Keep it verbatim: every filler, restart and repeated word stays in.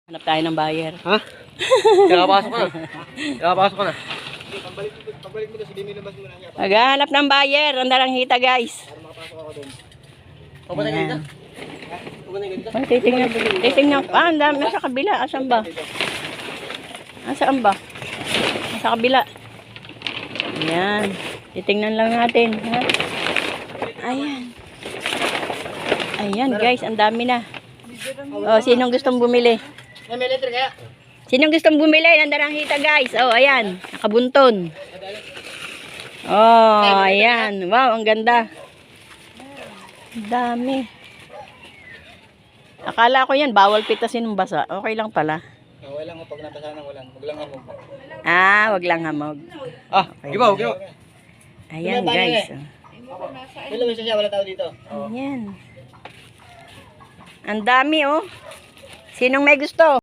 Hanap tayo ng buyer. Ha? Pinapasok ko na. Pinapasok ko na. Pabalik mo, pabalik mo doon, sige mo labas muna niya. Maghanap ng buyer. Ang Naranghita, guys. Para makapasok ako doon. Pupunta ka dito? Ayan. Pupunta ka dito? Ay, titingnan. Titingnan. Ah, ang dami. Nasa kabila. Asan ba? Asan ba? Nasa kabila. Ayan. Titingnan lang natin. Ha? Ayan. Ayan, guys. Ang dami na. Oh, sinong gustong bumili? Ay, may letter kaya? Sinong gustong bumili ng Naranghita, guys? Oh, ayan. Nakabunton. Oh, ayan. Wow, ang ganda. Ang dami. Akala ko yan, bawal pitasin ng basa. Okay lang pala. Oh, walang mo pag napasahan, walang. Wag lang ako. Ah, wag lang hamog. Ah, gibaw, gibaw. Ayan, guys. Hello, isa siya, wala tao dito. Ayan. Ang dami, oh. Sinong may gusto?